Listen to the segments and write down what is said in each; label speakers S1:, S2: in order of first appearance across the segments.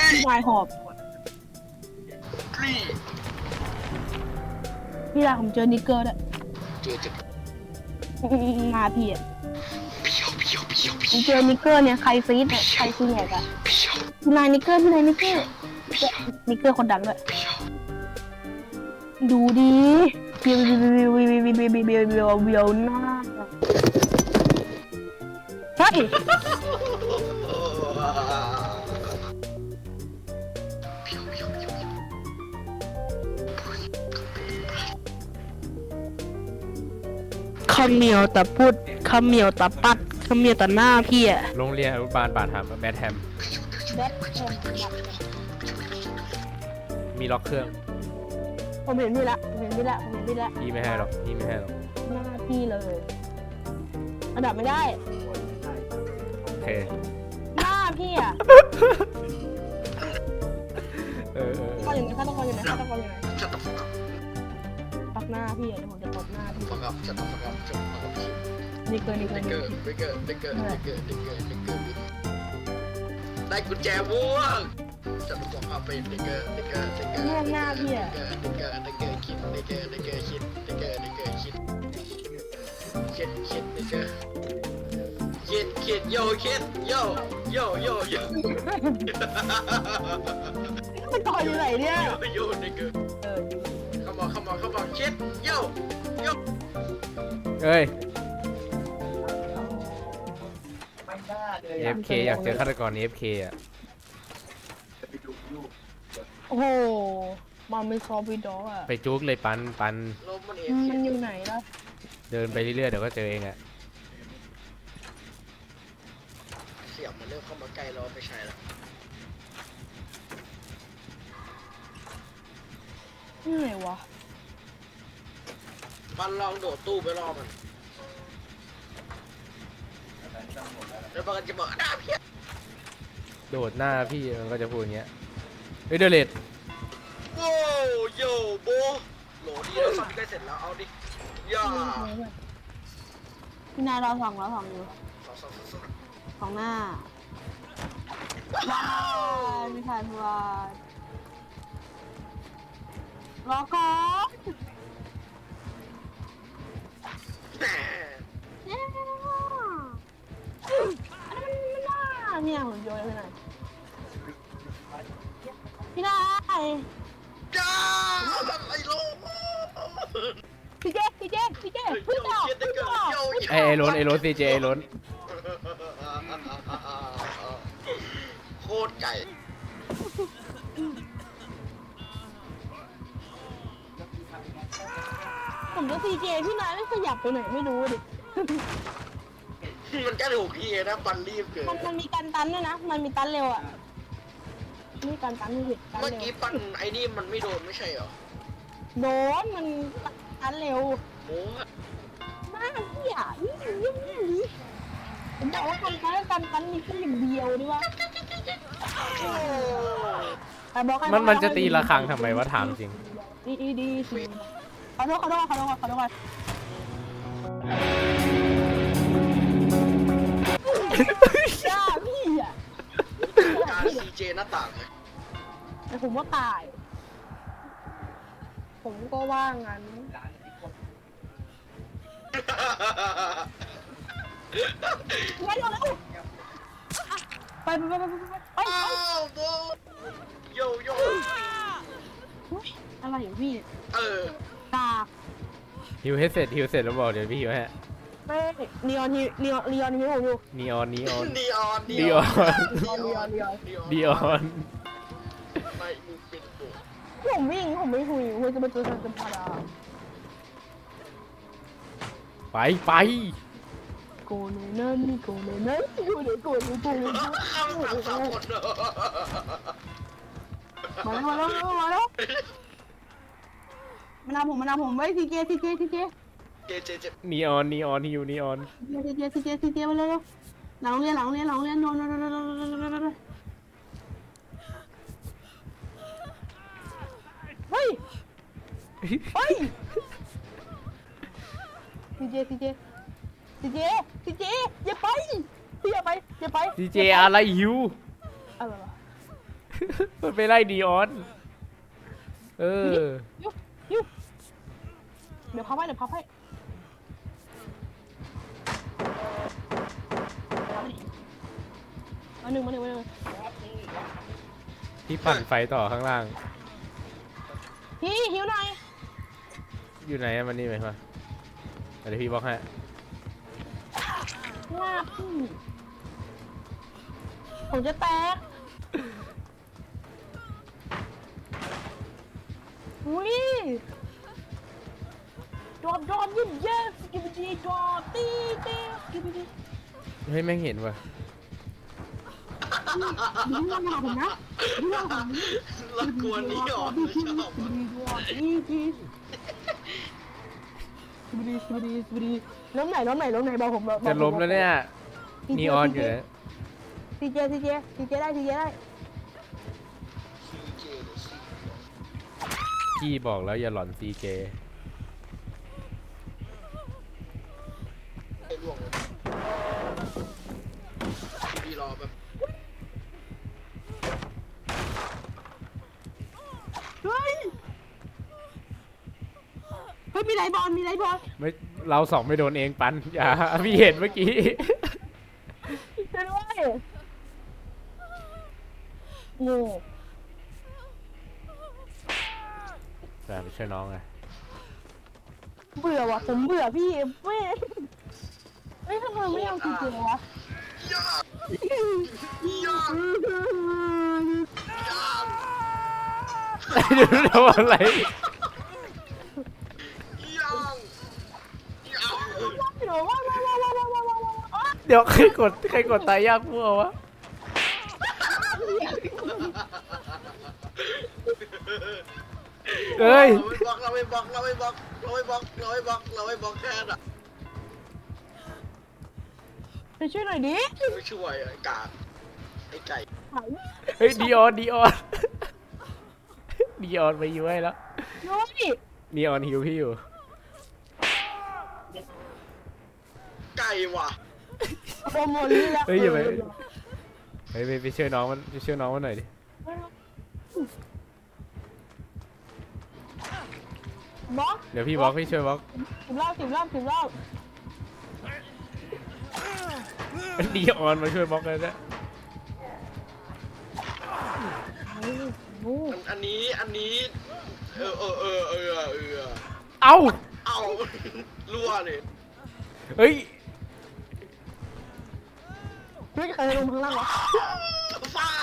S1: พี่นายหอบพี่นายผมเจอนิกเกอร์ด้วยมาพี่อะผมเจอนิกเกอร์เนี่ยใครซีดเนี่ยใครซีแหกอะพี่นายนิกเกอร์นิกเกอร์คนดังด้วยดูดิเบียวหน้าเฮ้ยคำเหมียวแต่พูดคำเหมียวแต่ปัดคำเหมียวแต่หน้าพี่อะ
S2: โรงเรียนอนุบาลบาทแบทแฮมมีล็อกเครื่อง
S1: ผมเห็นพี่ละ
S2: พี่ไม่ให้หรอก
S1: หน้าพี่เลยอันดับไม่ได้
S2: โอเค
S1: หน้าพี่อะก็อย่างนี้ข้าต้องคอยอยู่ไหนปักหน้าพี่อะเดี๋ยวผมจะตบหน้าพี่นี่เกิน
S3: ได้กุญแจม่วงจะบอกเอาไปเด็กเกอร์
S1: ม่วงหน้าพี่อะ
S3: คิดโย
S1: มันต่ออยู่ไหนเนี่ย
S3: โยเด็กเกอร์เข้ามาคิดโย
S2: เอ้ย FK อยากเจอฆาตกรนี้ FK อ่ะ
S1: โอ้โหมันไม่ซอฟต์ด็อกอะ
S2: ไปจุกเลยปัน
S1: มันอยู่ไหนล่ะ
S2: เดินไปเรื่อยๆเดี๋ยวก็เจอเองอ่ะ
S3: เสียงมันเริ่มเข้ามาใกล้เราไม่ใช่แล้ว
S1: นี่ไหนวะ
S3: ปันลองโดดตู้ไปรอมันแล้วมันจะบอกหน้าพี่
S2: โดดหน้าพี่มันก็จะพูดอย่างเงี้ยเฮ้ยเดเลด
S3: โว้โยโบโหลดีแล้วซ้ำใกล้เสร็จแล้วเอาดิย่า
S1: พี่นายเราสองอยู่สองหน้าว้าวไม่ทันว่ารอก่อนเนี่ยหุ่นยนต์พี่นาย
S3: จ้าไอ้โล
S1: พี่เจ๊พี่ต่อ
S2: ไอ้ล้นซีเจล้น
S3: โคตรไก่
S1: ผมจะซีเจพี่นายไม่ขยับไปไหนไม่รู้ดิ
S3: มันแค่ถูกทีนะปันรีบเกิน
S1: มันมีการตันด้วยนะมันมีตันเร็วอ่ะนี่การตันนี่
S3: เมื่อกี้ปันไอ้นี่มันไม่โดนไม่ใช่เหรอ
S1: โดนมันตันเร็ว
S3: โอ้
S1: มากพี่อ่ะนี่ผมบอกว่าการตันมีแค่อย่างเดียวด้วยวะ
S2: มันจะตีระฆังทำไมวะถามจริง
S1: ดีขอโทษจ้าพี่อ่ะ
S3: การซีเจหน้าต่างเลย
S1: แต่ผมว่าตายผมก็ว่างั้นไป
S3: โย
S1: อะไรอย่างพี่ตา
S2: ฮิวเสร็จแล้วบอกเดี๋ยวพี่ฮิวให้
S1: ไม่นีออนฮิวอยู่
S2: นีออนไม่มึง
S3: เป็นโบ
S1: ผมวิ่งผมไม่คุยจะมาเจอกันพารา
S2: ไป
S1: โกเนนั่นโกเน
S3: ข้ามสามคน
S1: มาแล้วมันเอาผมไว้ซีเจ
S2: นีออนฮิวนีออน
S1: ซีเจมาเลยหลังเรียนโนเฮ้ยซีเจอย่าไป
S2: ซีเจอะไรฮิว
S1: อะไรวะ
S2: มันไปไล่ดีออนเออ
S1: ยุบเดี๋ยวพับให้มาหนึ่ง
S2: พี่ปั่นไฟต่อข้างล่าง
S1: พี่หิวหน่อย
S2: อยู่ไหนอะมันนี่ไหมวะเดี๋ยวพี่บล็อกให้
S1: ว่าพี่ผมจะแตกอุ้ยดอมยิ้มเย้สกิบดีดอมตีสกิบดี
S2: เฮ้ยแม่งเห็นว่ะ
S1: ดูว่ามาผมนะดูว่าผม
S3: ละกวนนี่อ่อนไม่ชอบ
S1: สบดีล้มไหนบอกผม
S2: จะล้มแล้วเนี่ยนีออนอยู่นะ
S1: ซีเจได้
S2: พี่บอกแล้วอย่าหลอนซีเจ
S3: ไอ้ล่วงเลยพี่รอแบบ
S1: เฮ้ยมีไรบอล
S2: ไม่เราสองไม่โดนเองปันอย่าพี่เห็นเมื่อกี้
S1: ช่วยด้วยโง่
S2: ไปช่วยน้องไง
S1: เบื่อว่ะผมเบื่อพี่ไม่ทำไมไม่เอาจริงๆวะ
S3: ย่าง
S2: เดี๋ยวทำอะไร
S3: ย่าง
S1: เดี๋ยวว่า
S2: เดี๋ยวใครกดตายยากมั่ววะ เฮ้ย
S3: เราไม่บล็อกแค่น่ะ
S1: ไปช่วยหน่อยดิ
S3: ไม่ช่วยไอ้กาไอ้ไก่
S2: เฮ้ยดีออนดีออนไปอยู่ให้แล้ว
S1: ยุ้ย
S2: ดีออนฮิวพี่อยู่
S3: ไก่ว่ะ
S1: โปรโมทนี่แล้ว
S2: เฮ้ยอย่าไปเฮ้ยไปช่วยน้องมันหน่อยดิ
S1: บล็อก
S2: เดี๋ยวพี่บล็อกพี่ช่วยบล็อก
S1: 10 รอบ
S2: ดีออนมาช่วยบล็อกเลยนะ
S3: อันนี้
S2: เอ้า
S3: เอารั่วเลย
S2: เฮ้ย
S1: ไม่เคยลงข้างล่างวะ
S3: ฟ้า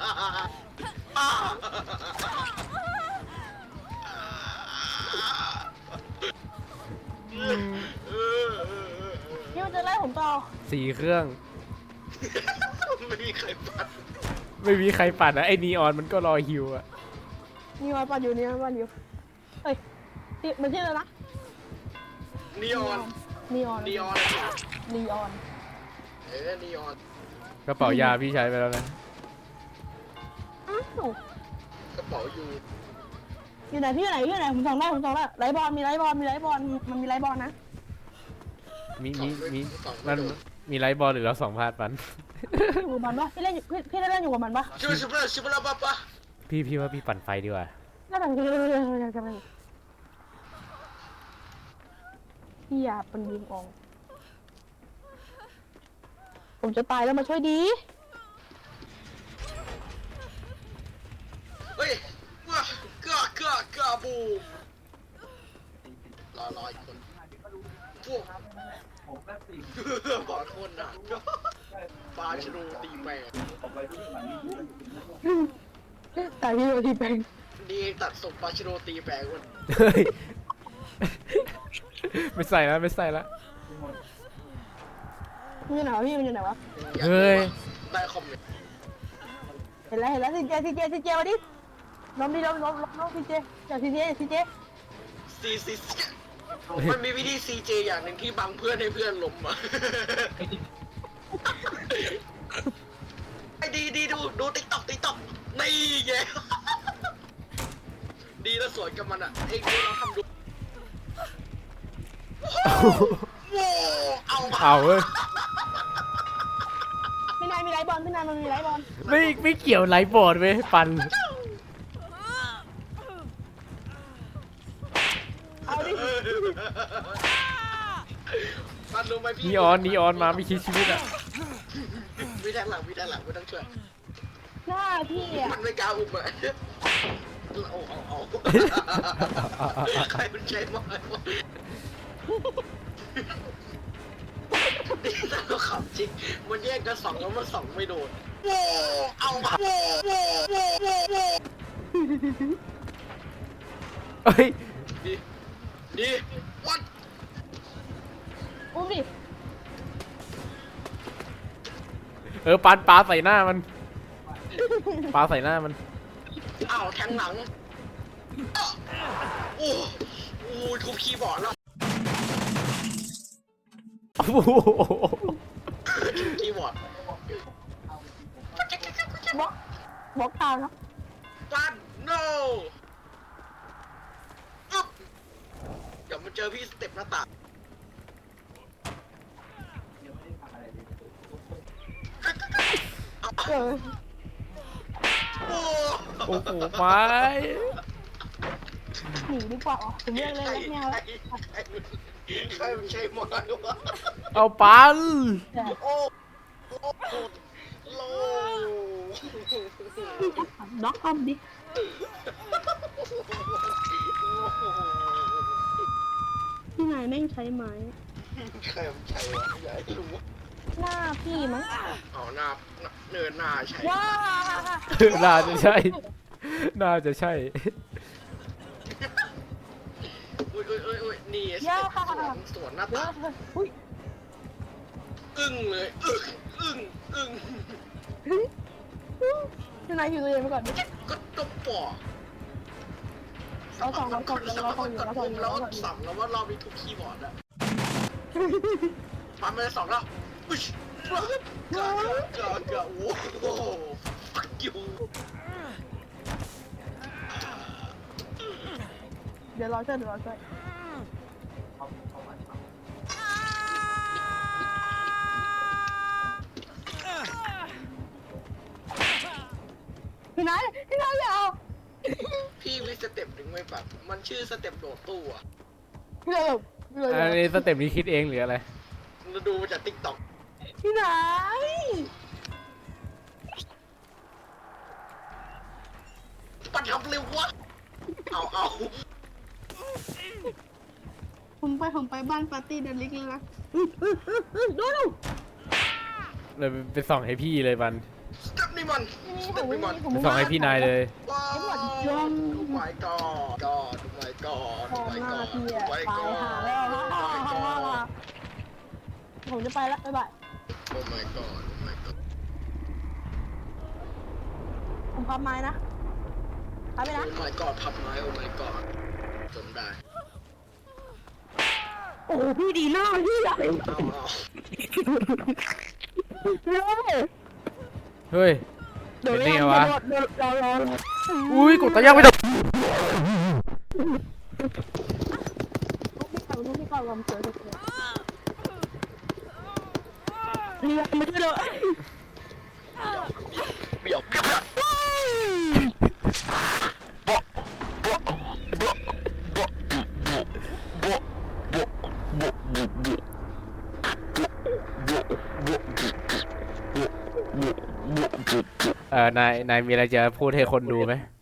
S1: พี่มันจะไล่ผมต่อ
S2: 4 เครื่อง
S3: ไม่มีใครปัด
S2: ไม่มีใครปั่นนะไอ้นีออนมันก็รอฮิวอะ
S1: นี่มาปั่นอยู่เฮ้ยมันชื่ออะไรนะ
S3: นีออน
S1: นีออน
S3: นีออน
S1: นีออน
S3: นีออน
S2: กระเป๋ายาพี่ใช้ไปแล้วนะ
S1: อ้าว
S3: กระเป๋าอยู่
S1: อยู่ไหนพี่อยู่ไหนผมส่องได้ไลฟ์บอลมีไลฟ์บอลมันมีไลฟ์บอลนะ
S2: มีมันมีไลท์บอลหรือเรา2 พาดปัน
S1: อยู่กับมันปะพี่เล่นอยู่กับมันปะ
S3: ชิบะปะ
S2: พี่ว่าพี่ปั่นไฟดีกว่า
S1: น่าจะพี่อย่าเป็นยิงอองผมจะตายแล้วมาช่วยดี
S3: เฮ้ยว้าเกือบูมรออีกคนพวกบอลคนน่ะปลาชนูตีแปด
S1: ตายพี่โดนทีแปง
S3: ดีตัดส่งปลาชนูตีแปดคน
S2: เฮ้ย ไม่ใส่แล้ว
S1: มันอยู่ไหนวะพี่มันอยู่ไหนวะ
S2: เฮ้ย
S3: ได้คอมเมนต์
S1: เห็นแล้วซีเจมาดิล้มซีเจจากซีเจ
S3: ซีมันมีวิธีซีเจอย่างหนึ่งที่บังเพื่อนให้เพื่อนล้มอ่ะไอ้ดีดูติ๊กต็อกนี่ไงดีแล้วสวยกับมันอ่ะเองดูเราทำดูเอา
S2: เอาเว้ย
S1: พี่นายมีไลฟ์บอลพี่นายานมันมีไรบอล
S2: ไม่เกี่ยวไลฟ์บอร์ดเว้ยปัน
S1: เอาดิ
S3: มันรู้ไหมพี่
S2: นีออนมาไม่คิดชีวิตอ่ะ
S3: วิแทงหลังไม่ต้องช่วย
S1: หน้าพี่อ่ะ
S3: มันไม่กล้าอุ้มอะเอาใครมันใช้ไม้วะนี่ถ้าเราขับจริงมันแยกกันสองแล้วมันสองไม่โดนโว้เอามา
S2: เฮ้ย
S3: ดีวัด
S1: อุ้มดิ
S2: ปันปลาใส่หน้ามันปลาใส่หน้ามัน
S3: อ้าวแทงหลังโอ้โหทุบคีย์บอร์ดแล้ว
S2: โอ้โห
S3: ทุบคีย์บอร์ด
S1: บล็อกทางครับ
S3: ปัน no อึ๊บเดี๋ยวมาเจอพี่สเต็ปหน้าต่าง
S1: เออ
S3: โอ้
S2: โอ้โหไป
S1: หนีดีกว่าอ๋อผมเลือกเลยแล้วไม่เอาแล้ว
S3: ใครมันใช้ไม้วะ
S2: เอาปัน
S3: โอ้โล
S1: บล็อกทำดิพี่นายแม่งใช้ไม้
S3: ใครมันใช้วะอยากให้รู้
S1: หน้าพี่มั้ง
S3: เอาหน้าเนินหน้าใช้
S1: ว้า
S2: น่าจะใช่น่าจะใช่
S3: อุ้ยนี่สวนหน้า
S1: เดี๋ยว
S3: ต่าง
S1: อุ้ย
S3: อึ้งเลยอึ้ง
S1: พี่นายอยู่ตัวเองไปก่อนดิ
S3: ก็ตบปอก
S1: เราสองอยู่
S3: แล้วสั่งแล้วว่าเรามีทุกคีย์บอร์ดอะมันไม่ได้สองแล้วอุ้ยเกือบโอ้โห fuck you
S1: เดี๋ยวรอช่วยพี่นายอย่าเอา
S3: พี่มีสเต็ปหนึ่งไม่ปะมันชื่อสเต็ปโดดตู้อะ
S1: พี่นาย
S2: อันนี้สเต็ปนี้คิดเองหรืออะไร
S3: เราดูมาจากติ๊กต็อก
S1: พี่นาย
S3: ปัดทำเร็ววะเอา
S1: ผมไปบ้านปาร์ตี้เดลิกเลยนะดู
S2: เลยไปส่องให้พี่เลยปัน
S3: สเต็ปนี่มันสเต็ปนี่มัน
S2: ไปส่องให้พี่นายเลย
S3: ว้าวดู my god god ดู my god
S1: พ
S3: ดู
S1: อ
S3: my
S1: หน้า
S3: god
S1: พี่
S3: ดู
S1: อะ
S3: my
S1: ตาย
S3: god
S1: หาแล้ว
S3: ดู my god
S1: ผมจะไปแล้วบ๊ายบาย
S3: oh my god oh my god
S1: ผมพับไม้นะพับไปนะ
S3: oh my god พับไม้ oh my god จนได้
S1: โอ้พี่ดีหน้าพี่อะ
S3: เอา
S2: เฮ้ย
S1: เดี๋ยว
S2: เป็นไงวะ
S1: รอ
S2: อุ้ยกดตะย่างไม่ได้
S1: ลูกพี่เก่าลำเสือเรียกไม่ได้เลย
S3: เบี้ยว
S2: นายมีอะไรจะพูดให้คนดูไหม